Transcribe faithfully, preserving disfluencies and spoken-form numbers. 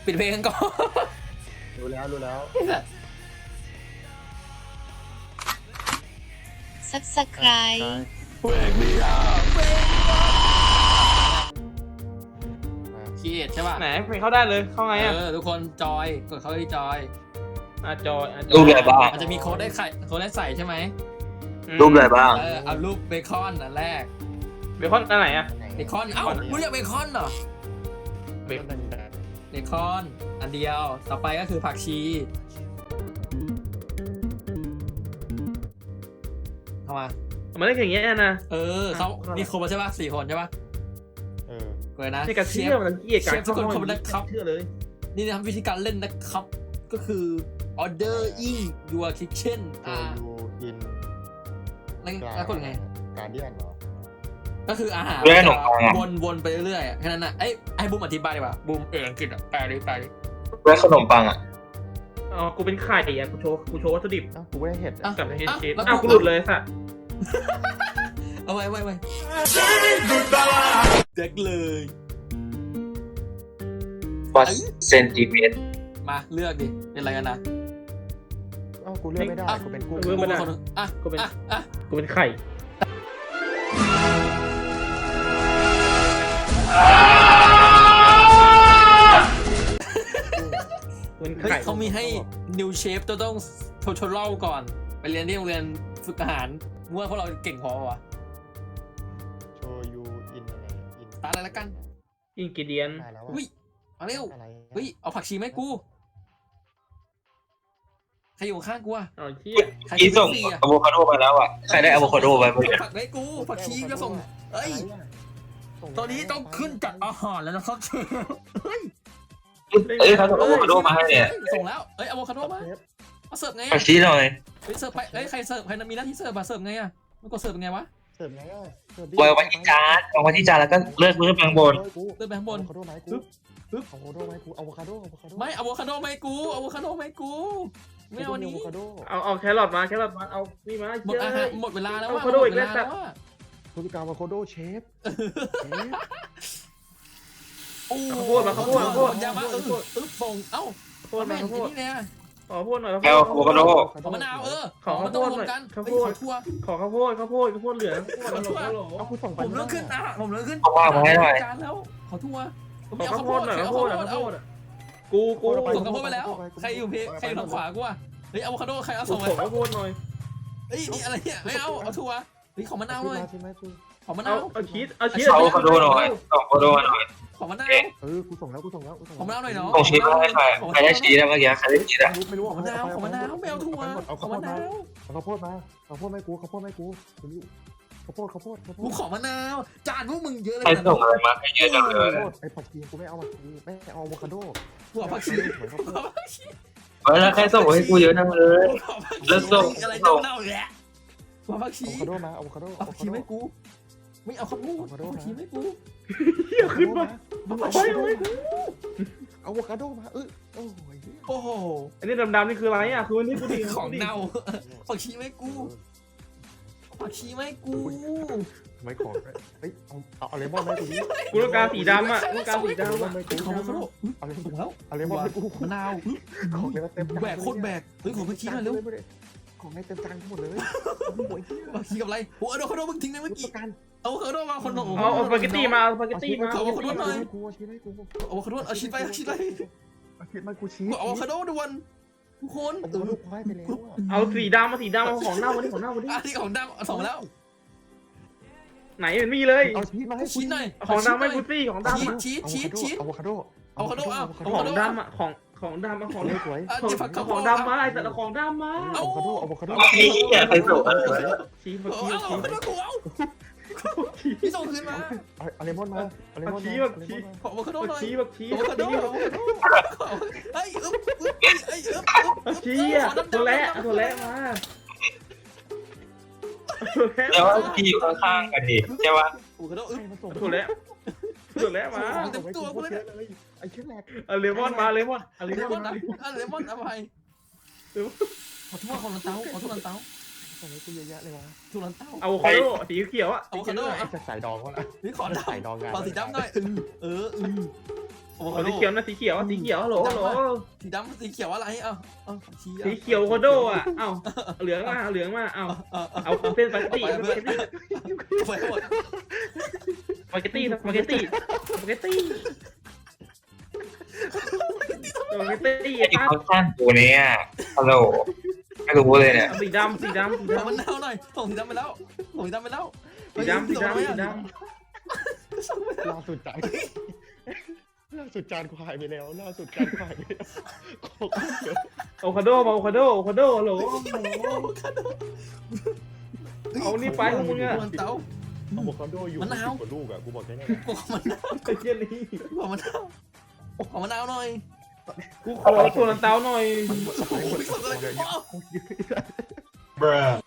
ปิดเพลงกันก่อนรู้แล้วรู้แล้วซับสไครต์เบรกไม่ได้เบรกคีเอทใช่ป่ะไหนเพลงเข้าได้เลยเข้าไงอ่ะเออทุกคนจอยกดเข้าที่จอยอ่ะจอยอ่ะจรูอปยอะไรบ้างมันจะมีโค้ดได้ใส่โค้ดได้ใส่ใช่ไหมรูปอะไรบ้างเออเอารูปเบคอนอันแรกเบคอนอันไหนอ่ะเบคอนเอ้ารู้จักเบคอนเหรอเบคอนเบคอนอันเดียวต่อไปก็คือผักชีเข้ามามันได้อย่างเงี้ยนะเออเขามีคนมาใช่ป่ะสี่คนใช่ป่ะเออเปิดนะนี่กระเชื่อมันเกลียดกันเชฟทุกคนขอบคุณนะครับเชื่อเลยนี่นะครับวิธีการเล่นนะครับ ก็คือ ordering your kitchen โจอ่ายูอินแล้วแล้วกดไงการเดียนเหรอก็คืออาหารเรื่องขนมปังอะวนวนไปเรื่อยๆอะแค่นั้นนะไอ้ไอ้บูมอธิบายดีกว่าบูมเอออังกฤษอ่ะแปลดิแปลดิเรื่องขนมปังอ่ะอ๋อกูเป็นไข่อ่ะกูโชว์กูโชว์วัตถุดิบอ้าวกูไม่ได้เห็ดอ่ะกับเฮดชีสแล้วอ้าวกูหลุดเลยสัตว์เอาไว้ไว้ไว้เด็กเลยวัดเซนติเมตรมาเลือกดิเป็นอะไรกันนะอ้าวกูเลือกไม่ได้กูเป็นกุ้งเลือกไม่ได้คนหนึ่งอ่ะกูเป็นอ่ะอ่ะกูเป็นไข่กูเป็นเฮ้ยไข่เขามีให้ new chef ต้องต้อง tutorial ก่อน ไปเรียนที่โรงเรียนฝึกอาหารมั่วพวกเราเก่งพอวะโชยูอินอะไรอินตาอะไรละกันอินกิเดียนมาแล้วอุ้ยมาเร็วอะไรเฮ้ยเอาผักชีไหมาให้กูใครอยู่ข้างกูอะอ๋อเชี่ยใครอีส่งฟรีอะอะโวคาโดมาแล้วอ่ะ ใครได้อะโวคาโดไปเมื่อกี้ผักไว้กูผักชีก็ส่งเอ้ยตอนนี้ต้องขึ้นจัดอาหารแล้วนะครับเชฟเฮ้ยเอ้ยเขาส่งอะโวคาโดมาให้เนี่ยส่งแล้วเอ้ยอะโวคาโดมามาเสิร์ฟไงผัอะกชีหน่อยเฮ้ยเสิร์ฟไปเอ้ยใครเสิร์ฟใครมีหน้าที่เสิร์ฟมาเสิร์ฟไงอะมันก็เสิร์ฟยังไงวะเสิร์ฟไงอ่ะเสิร์ฟดิวางไว้ที่จานวางไว้ที่จานแล้วก็เลือกเลือกข้างบนเดินไปข้างบนอะโวคาโดไหมกูอะโวคาโดไหมกูอะโวคาโดอะโวคาโดไม่อะโวคาโดไม่กูอะโวคาโดไม่กูไม่เอาอันนี้อะโวคาโดเอาเอาแครอทมาแครอทมาเอานี่มาหมดอาหารหมดเวลาแล้วอะโวว่าคาโดหมอีดกเวแล้วลาสัแล้ตว์วว่าพฤติกรรมอะโวคาโดเชฟเชฟโอ้ข้าวโพดมาข้าวโพดข้าวโพดยามาเออเออส่งเอ้าข้าวโพดมาแม่งข้าวโพไอ้ดนี่เนี่ยขอข้าวโพดหน่อยแอลอะโวคาโดขอมะนาวเออขอมันข้าวต้โพองดรวหน่มอยกันข้าวเฮ้โพยขดอทั่วขอข้าวโพดข้าวโพดข้าวโพดเหลืองข้าวโพดฮัลโหลฮัลโหลเอากูส่งไปผมเลิกขึ้นอ่ะผมเลิกขึ้นเอาว่างมาให้หน่อยจานแล้วขอทั่วขอข้าวโพดหน่อยข้าวโพดข้าวโพดกูกูส่งข้าวโพดไปแล้วใครอยู่เพใครอยู่ทางขวากูอ่ะเฮ้ยอะโวคาโดใครเอาส่ส่งงไปข้าวโพดหน่อยเฮ้ยนี่อะไรเนี่ยไม่เอาเอาทั่วเฮ้ยขอมะนาวหน่อยใช่ไหมกูขอมะนาเอาวเอาชีสเอาชีสเอาอะโวคาโดหน่อยส่งอะโวคาโดมาหน่อยขอมะนาวเออกูส่งแล้วกูส่งแล้วกูส่งขอมะนาวหน่อยเนาะส่งชีสมาให้ใครใครได้ชีสอะเมื่อกี้ใครได้ชีสอะไม่รู้ขอมะนาวขอมะนาวไม่เอาทั่วเอาขอข้าวโพมะดนามาว เอาข้าวโพดมาข้าวโพดไม่กูข้าวโพดไม่กูข้าวโพดข้าวโพดข้าวโพกูดขอมะนาวจานพวกมึงเยอะเลยใครนะส่งอะไรมาให้เยอะจังเลยข้าวโพดไอ้ผักชีกูไม่เอาผักชีไม่เอาอะโวคาโดกูขอผักชีเหมือนข้าวโพขอดผักชีเฮ้ยแล้วใครส่งให้กูเยอะจังเลยขอผักชีแล้วส่งอะไรเน่าๆแหละขอผักชีอะโวคาโดมาอะโวคาโดเอาผักชีไม่กูไม่เอาข้าวโพดเอาผักชีไม่กูเฮียขึ้นมาเอาผักชีไม่กูอะโวคาโดมาเออโอ้ยโอ้โหอันนี้ดำๆนี่คืออะไรอ่ะคือวันนี้กูดีของเน่าผักชีไม่กูผักชีไม่กูทำไมของเฮ้ยเอาเอาเอาเลมอนไหมกูดิกูต้องการสีดำอ่ะกูต้องการสีเอาเลดำมออ่ะนไหมกูของเขาโดเอาเลมถูอนกแล้วเอาเลมอนไหมกูมะนาวของเลมอนเต็มแบกโคตรแบกเฮ้ยของผักชีหน่อยเร็วของในเต็มจานทั้งหมดเลยโอ้ยผักชีกับอะไรโอ้เอาโดเขาโดมึงทิ้งไปเมื่อกี้การเอาเขาโดมาคนหนึ่งเอาเอาสปาเกตตี้มาเอาสปาเกตตี้มาเอากูชีสให้กูเอาเขาโดเอาชีสไปเอาชีสไปเอาชีสมากูชีสเอาอะโวคาโดด่วนทุกคนเอาลูกควายไปแล้วอ่ะเอาสีดำมาสีดำเอาของเน่าวันนี้ของเน่าวันนี้อันนี้ของดำส่งมาแล้วไหนมันมีเลยเอาชีสมาให้ชิ้นหน่อยของดำไม่กูซี่ของดำชีสชีสชีสชีสอะโวคาโดอะโวคาโดเอาของดำอ่ะของของดำมาของสวยอ่ะของเดี๋ยวฝักข้าวโพของดดำมาไอ้แต่ละของดำมาอะโวคาโดอะโวคาโดไอ้เหี้ยใครส่งอะไรมาชีสเอาชีสเอาชีสเอาเอากูเอาพี่ส่งคืนมาเอาเลมอนมาเอาเลมอนมาขออะโวคาโดบักหน่อยชีบักชีอะโวบักคาโดชีอะโวคาโดเฮ้ยอึ๊บอึ๊บเฮ้ยอึ๊บบักชีอ่ะตัวแรกตัวแรกมาตัวแรกแต่ว่าพี่อยู่ข้างๆกันดิใช่ปะอะโวคาโดอึ๊บตัวแรกตัวแรกมาไอ้เชี่ยแหลกเอาเลมอนมาเลมอนเอาเลเลมมออน นมานะเลมอนเอาไปขอโทษของลันเต้าขอโทษลันเต้าตอนนี้กูเยอะแยะเลยวะทุลันเต้าอะโวคาโดสีเขียวอ่ะอะโวคาโดจะใส่ดองวะนะนี่ขอดใส่ดองำงานขอสีดำหน่อยเออเออโอ้โหเอาสีเขียวนะสีเขียวสีเขียวฮัลโหลฮัลโหลสีดำสีเขียวอะไรเอ้าเอ้าชี้สีเขียวโคโดอ่ะเอ้าเหลืองมาเหลืองมาเอ้าเอ้าเอาเส้นสปาเกตตี้สปาเกตตี้ไปหมดสปาเกตตี้สปาเกตตี้สปาเกตตี้สปาเกตตี้ไอ้ปั๊บเขาสั้นกูเนี่ยฮัลโหลไม่รู้เลยเนี่ยสีดำสีดำสีเอามันดำเน่าหน่อยส่งสีดำไปแล้วส่งสีดำไปแล้วสีดำสีดำสีดล่าสุดจานล่าสุดจานกูหายไปแล้วล่าสุดจานกูหายไปแล้วของเยอะำโอคาโดมาโอคาโดโอคาโดฮัลโหลเอานี่ไปของมึงอะเต้าอะโวคาโดอยู่สิบกว่าลูกอะกูบอกแค่นี้ขอมันเน่าไอ้เหี้ยนี่ขอมันเน่าขอมันเน่าหน่อยกูขอตัวลันเต้าหน่อยหมดหมดหมดเลย Bruh